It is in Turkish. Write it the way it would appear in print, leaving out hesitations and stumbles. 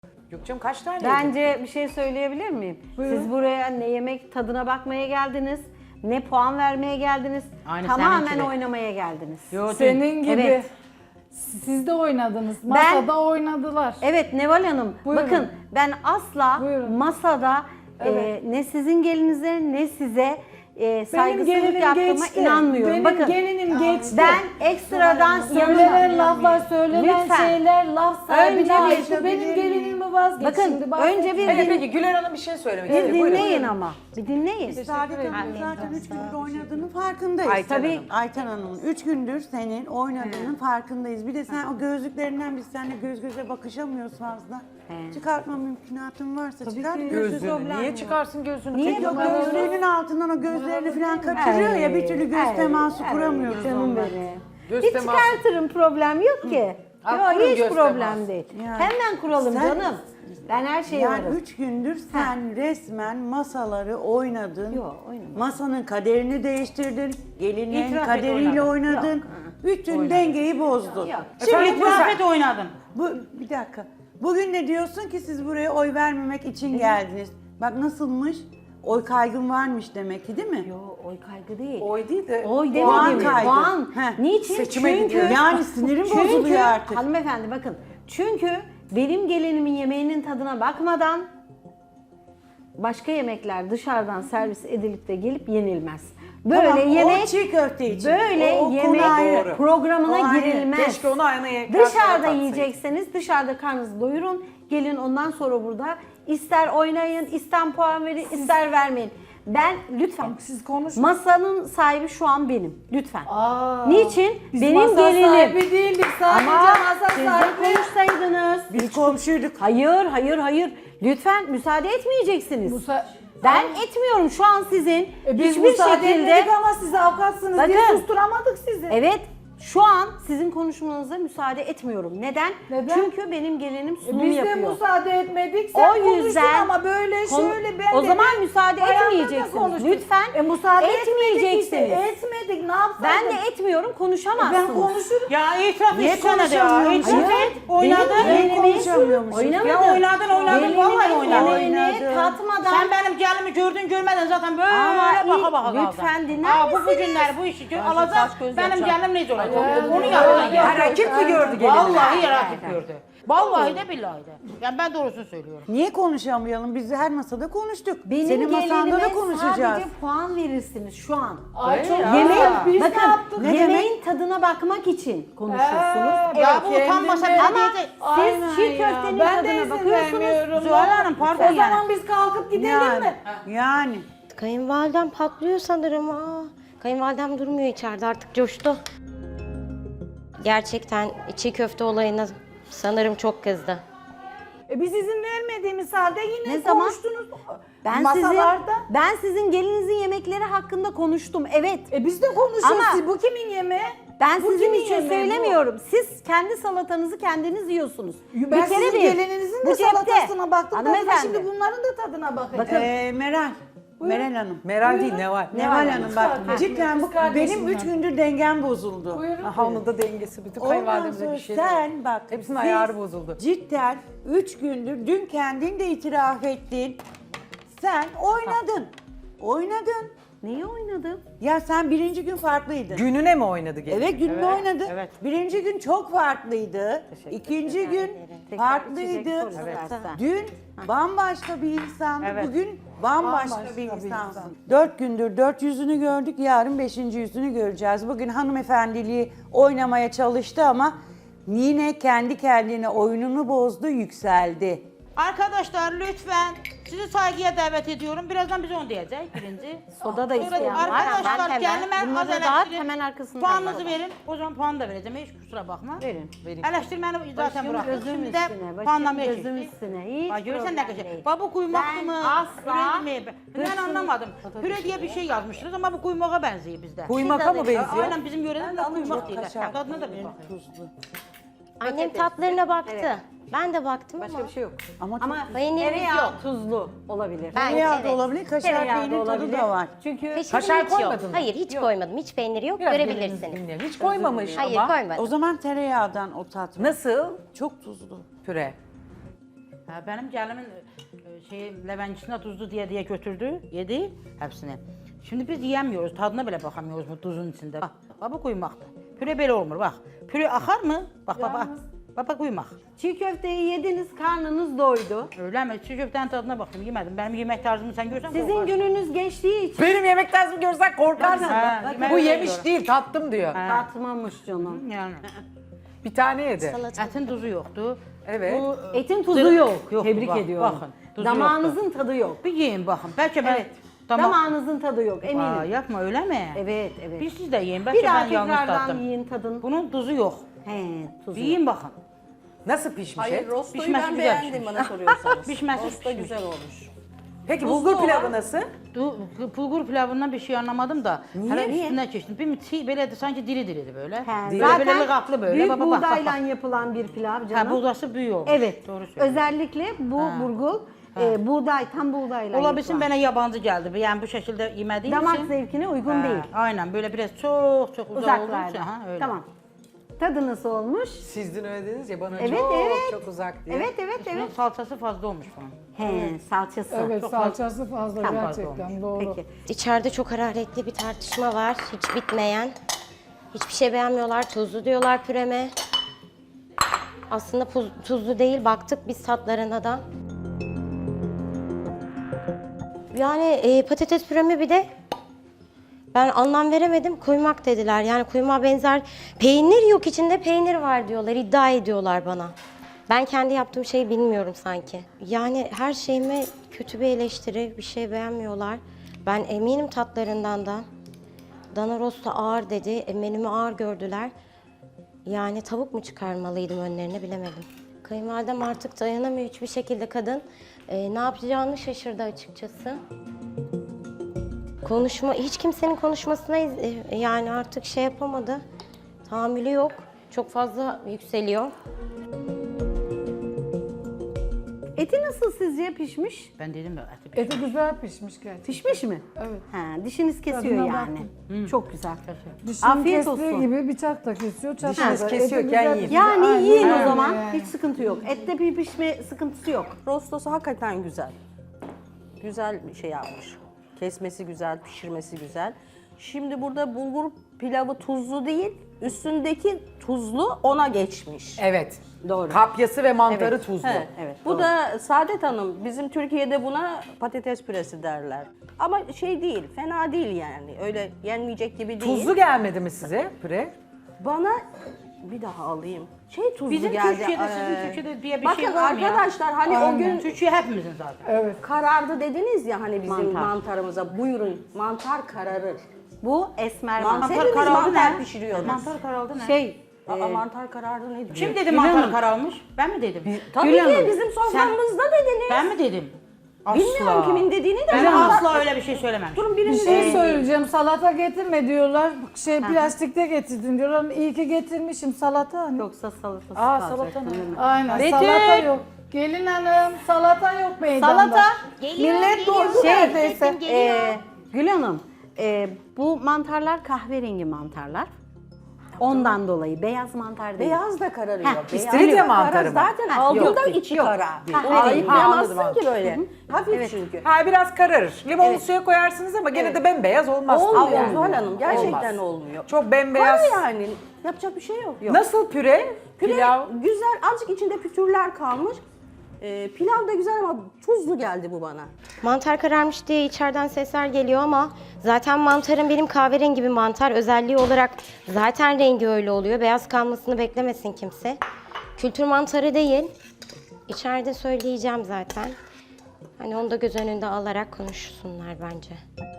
Gökçem kaç tane yedin? Bence bir şey söyleyebilir miyim? Buyurun. Siz buraya ne yemek tadına bakmaya geldiniz, ne puan vermeye geldiniz. Aynı Tamamen seninki de. oynamaya geldiniz. Yo, Senin gibi. Evet. Siz de oynadınız. Masada oynadılar. Evet Neval Hanım, Buyurun. bakın ben asla Buyurun. masada Evet. ne sizin gelinize ne size Benim saygısızlık gelinim yaptığıma geçti. inanmıyorum. Benim bakın gelinim geçti. ben ekstradan Söylenen laflar, söylenen Lütfen. şeyler laf sahibine Önce ait. bir- Benim gelinimi vazgeç Bakın, şimdi. bahsedin. önce bir- Evet, peki Güler Hanım bir şey söylemek Bir istiyor. Buyurun. dinleyin ama. Bir dinleyin. Saadet Hanım zaten 3 gündür oynadığının farkındayız. Ayten Tabii. Hanım. Ayten Hanım'ın 3 gündür senin oynadığının farkındayız. Bir de sen o gözlüklerinden biz seninle göz göze bakışamıyoruz fazla. He. Çıkartma mümkünatın varsa çıkart. ki. Gözlüğünü. Niye çıkarsın gözlüğünü? Niye Çek Yok bakalım. gözlüğünün altından o gözlerini falan kaçırıyor ya bir türlü göz teması kuramıyoruz Canım onunla. benim. Göz Hiç teması. çıkartırım, problem yok ki. Ha, Yok kurun hiç göz problem teması. değil. Yani Hemen kuralım sen- canım. Ben her şeye Yani varım. 3 gündür sen resmen masaları oynadın. Yok, oynamadım. Masanın kaderini değiştirdin. Gelinin İtiraf et kaderiyle oynadın. oynadın. Bütün dengeyi bozdun. Yok. Şimdi İtiraf et oynadın. bir dakika. Bugün ne diyorsun ki siz buraya oy vermemek için geldiniz? Bak nasılmış? Oy kaygın varmış demek ki değil mi? Yo oy kaygı değil. Oy değil de. Oy Puan demedim. kaygı. Puan. Heh. Niçin? Seçime Çünkü gidiyor. Yani sinirim bozuluyor artık. Hanımefendi bakın. Çünkü benim gelinimin yemeğinin tadına bakmadan başka yemekler dışarıdan servis edilip de gelip yenilmez. Böyle Tamam, yemek o çiğ köfte için. böyle O konu yemek ayrı. programına O ayrı. girilmez. Keşke onu aynı Dışarıda yiyecekseniz dışarıda karnınızı doyurun. Gelin ondan sonra burada ister oynayın, ister puan verin, ister vermeyin. Ben lütfen. Siz konuşun. Masanın sahibi şu an benim. Lütfen. Aa, Niçin? Biz Benim masa gelinim. sahibi değildik. Sadece Ama masa siz de sahibi. konuşsaydınız. Biz komşuyduk. Hayır. Lütfen müsaade etmeyeceksiniz. Musa- Ben etmiyorum şu an sizin. Biz hiçbir müsaade şekilde. etmedik ama siz avukatsınız diye Bakın. susturamadık sizi. Evet. Şu an sizin konuşmanıza müsaade etmiyorum. Neden? Neden? Çünkü benim gelinim sunum Biz de yapıyor. müsaade etmedik. Sen O yüzden konuştun ama böyle şöyle ben o de zaman ben müsaade bayanla da etmeyeceksiniz. konuştuk. Lütfen müsaade etmeyeceksiniz. etmedik işte. Etmedik ne yapsaydık? Ben de etmiyorum, konuşamazsınız. Ben konuşurum. Ya itiraf Niye etsene de ya. konuşamıyorsun? İtiraf Hayır, et. Oynadın. Niye Gelinimin konuşamıyormuşuz? Oynamadım. Ya oynadın, Gelinimin vallahi oynadın. yemeğini Oynadın. tatmadan. Sen benim gelimi gördün görmedin zaten böyle Ama baka baka kaldın. lütfen dinler Bu misiniz? günler bu işi Ben alacak. saç göz Benim yapacağım. gelim neyse olacak. Onu ya, yaptın ya. ya. Ha, rakip mi gördü gelini? Vallahi rakip gördü. Vallahi de billahi de. Yani ben doğrusunu söylüyorum. Niye konuşamayalım? Biz her masada konuştuk. Benim Senin masanda gelinime da konuşacağız. sadece puan verirsiniz şu an. Ay çok Yemek, biz ne bakın yaptık? Ne yemeğin tadına bakmak için konuşursunuz. Ya bu utanmasa kendime- bile Ama diyecek. siz çiğ köftenin ben de tadına izin bakıyorsunuz. vermiyorum. Zuhal Hanım, pardon O yani. zaman biz kalkıp gidelim mi? Yani. Kayınvalidem patlıyor sanırım. Kayınvalidem durmuyor içeride artık coştu. Gerçekten çiğ köfte olayına sanırım çok kızdı. Biz izin vermediğimiz halde yine Ne zaman? konuştunuz. Ben masalarda. sizin gelinizin yemekleri hakkında konuştum. Evet. Biz de konuşuyoruz. Ama- Bu kimin yemeği? Ben Bu sizin kimin için yemeği bu? söylemiyorum. Siz kendi salatanızı kendiniz yiyorsunuz. Ben sizin gelininizin de salatasına baktım. Tadına, Hanımefendi. şimdi bunların da tadına bakacağım. Bakın. Meral. Meral Hanım. Meral değil Neval. Neval Hanım bak Kız cidden bu kardeşim benim 3 gündür dengem bozuldu. Buyurun. Aha, onun da dengesi. Bütün Ondan kayınvalidemize sonra bir şey. sen bak. Hepsinin biz ayarı bozuldu. Cidden 3 gündür dün kendin de itiraf ettin. Sen oynadın. Oynadın. Neyi oynadım? Ya sen birinci gün farklıydın. Gününe mi oynadı gelin? Evet gününü oynadı. evet. Birinci gün çok farklıydı. İkinci gün Tekrar farklıydı. içecek soru istersen. Dün bambaşka bir insandı. Evet. Bugün bambaşka bir insansın. 4 gündür 4 yüzünü gördük. Yarın 5. yüzünü göreceğiz. Bugün hanımefendiliği oynamaya çalıştı ama yine kendi kendine oyununu bozdu, yükseldi. Arkadaşlar lütfen sizi saygıya davet ediyorum. Birazdan biz onu diyeceğiz birinci. Soda da Sonra isteyen var. arkadaşlar Ben hemen kendime az bunları dağıt, eleştirin. hemen arkasından Puanınızı dağıt. verin. O zaman puan da vereceğim. Hiç kusura bakma. Verin. Eleştirmeni zaten Başım bıraktık. gözüm Şimdi de üstüne, başım puanlamaya gözüm geçtik. üstüne. Hiç Bak görürsen ne problem kadar. değil. Bak bu kuymak Ben mı? asla Püre mi? Ben hırsını- anlamadım. Püre diye bir şey yazmışsınız ama bu kuymağa benziyor bizde. Kuymaka mı benziyor? Aynen bizim yörede de kuymak değil. Kaşar, Tadına da bir bakın. tuzlu. Annem tatlarına baktı. Ben de baktım Başka ama. bir şey yok. Ama Ama Peynirimiz tereyağı yok. tuzlu olabilir. Ben- tereyağı evet. da olabilir, kaşar Tereyağı da peynir tadı olabilir. da var. Çünkü Peşinim Kaşar hiç yok. koymadın mı? Hayır hiç koymadım. Hiç peyniri yok. Biraz Görebilirsiniz. gelinizi dinleyelim. Hiç koymamış Hayır ama. koymadım. O zaman tereyağından o tat var. Nasıl? Çok tuzlu. Püre. Ha, benim gəlimin levencisine tuzlu diye götürdü, yedi hepsini. Şimdi biz yiyemiyoruz, tadına bile bakamıyoruz bu tuzun içinde. Baba kuymakta. Püre böyle olmur bak. Püre akar mı? Bak baba. Baba kuymak. Çiğ köfteyi yediniz, karnınız doydu. Öyle mi? Çiğ köftenin tadına bakayım, yemedim. Benim yemek tarzımı sen görsen Sizin korkarsın. gününüz geçtiği için Benim yemek tarzımı görsen korkarsın. Ha, Bu yemek yemiş yiyorum. değil, tattım diyor. tatmamış canım. Yani. Bir tane yedi. Etin tuzu yoktu. Evet. Bu Etin tuzu yok. Yok, Tebrik bak, ediyorum. bakın, tuzu Damağınızın tadı yok. bir yiyin bakın. Belki ben... Evet. Damağınızın tadı yok eminim. Aa, yapma öyle mi? Evet, evet. Bir siz de yiyin. Bir Belki daha ben yanlış tekrardan tattım. yiyin tadın. Bunun tuzu yok. He, tuzu Bir yok. yiyin bakın. Nasıl pişmiş et? Rostoyu Pişmesi ben güzel beğendim pişmiş. bana soruyorsanız. Pişmesi Rosto pişmiş. güzel olmuş. Peki bulgur pilavı nasıl? Bulgur pilavından bir şey anlamadım da. Niye? Üstüne geçtim. Bir çiğ böyleydi sanki diri böyle. He, Böyle kaplı böyle. büyük Baba, bak, buğdayla bak. yapılan bir pilav Ha, canım. buğdası büyük olmuş. Evet. Doğru söylüyorsun. Özellikle bu burgul buğday, tam buğdayla Olabilsin yapılan. bana yabancı geldi. Yani bu şekilde yemediğim Damak için. zevkine uygun Ha, değil. Aynen böyle biraz çok uzak olduğu için. Uzaklarda. Ha, öyle. Tamam. Tadı nasıl olmuş? Siz dün öyle dediniz ya bana Evet, çok evet. çok uzak diye. Evet, evet, Bunun evet. salçası fazla olmuş bunun. He, salçası. Evet, Çok salçası fazla Tamam. gerçekten doğru. Peki. İçeride çok hararetli bir tartışma var. Hiç bitmeyen. Hiçbir şey beğenmiyorlar. Tuzlu diyorlar püreme. Aslında tuzlu değil. Baktık biz tatlarına da. Yani patates püremi bir de ben anlam veremedim. Kuymak dediler. Yani kuymağa benzer peynir yok, içinde peynir var diyorlar. İddia ediyorlar bana. Ben kendi yaptığım şeyi bilmiyorum sanki. Yani her şeyime kötü bir eleştiri, bir şey beğenmiyorlar. Ben eminim tatlarından da. Dana rosto ağır dedi, menümü ağır gördüler. Yani tavuk mu çıkarmalıydım önlerine bilemedim. Kayınvalidem artık dayanamıyor hiçbir şekilde kadın. Ne yapacağını şaşırdı açıkçası. Hiç kimsenin konuşmasına yani artık şey yapamadı. Tahammülü yok. Çok fazla yükseliyor. Eti nasıl sizce pişmiş? Ben dedim ya. eti Eti güzel pişmiş gerçekten. Pişmiş mi? Evet. Ha, dişiniz kesiyor Tadına yani. Çok güzel. Dişini Afiyet kestiği olsun. gibi bıçak da kesiyor. çatal Dişiniz da. kesiyorken Eti güzel yiyin. pişiyor. Yani Aynen yiyin o öyle zaman. yani. Hiç sıkıntı yok. Ette bir pişme sıkıntısı yok. Rostosu hakikaten güzel. Güzel bir şey yapmış. Kesmesi güzel, pişirmesi güzel. Şimdi burada bulgur pilavı tuzlu değil, üstündeki tuzlu ona geçmiş. Evet. Doğru. Kapyası ve mantarı tuzlu. He, Evet, Bu doğru. da Saadet Hanım, bizim Türkiye'de buna patates püresi derler. Ama şey değil, fena değil yani. Öyle yenmeyecek gibi değil. Tuzlu gelmedi mi size püre? Bana bir daha alayım. Şey tuzlu Bizim geldi. Türkiye'de, sizin Türkiye'de diye bir Bakın şey var mı ya? arkadaşlar hani o gün Türkiye hepimizin zaten. Evet. karardı dediniz ya hani bizim Mantar. mantarımıza. Buyurun, mantar kararır. Bu esmer Mantar mantar. hepimiz karardı mantar ne? pişiriyoruz. Mantar karaldı ne? Şey, Aa, mantar karardı ne diyor? Kim dedi mantar karalmış? Ben mi dedim? Tabii Gül ki Hanım, bizim soframızda dediniz. Ben mi dedim? Asla. Bilmiyorum kimin dediğini de. Ben ama- asla öyle bir şey söylememişim. Durun Bir birinin şey söyleyeceğim. Salata getirme diyorlar. Plastikte getirdin diyorlar. İyi ki getirmişim salata. Hani. yoksa salatası Aa, kalacak. salata ne? Aynen. Betül! Salata yok. Gelin hanım salata yok meydanda. Salata. Millet doldu neredeyse. Gül Hanım, bu mantarlar kahverengi mantarlar. Ondan dolayı beyaz mantar değil. Beyaz da kararıyor. Heh, Beyaz istiridye da mantarı karar. mı? Zaten Ha, aldığında yok, içi yok. kara. Ha, Onu evet. ayıklayamazsın Ha, anladım, ki böyle. Hafif çünkü. Ha biraz kararır. Limonlu suya koyarsınız ama gene de bembeyaz olmaz. Olmuyor Yani. Zuhal Hanım. Gerçekten Olmaz. olmuyor. Çok bembeyaz. Kara yani. Yapacak bir şey yok. Nasıl püre? Pilav Pilav. güzel. Azıcık içinde pütürler kalmış. Pilav da güzel ama tuzlu geldi bu bana. Mantar kararmış diye içeriden sesler geliyor ama zaten mantarın benim kahverengi bir mantar özelliği olarak zaten rengi öyle oluyor. Beyaz kalmasını beklemesin kimse. Kültür mantarı değil. İçeride söyleyeceğim zaten. Hani onu da göz önünde alarak konuşsunlar bence.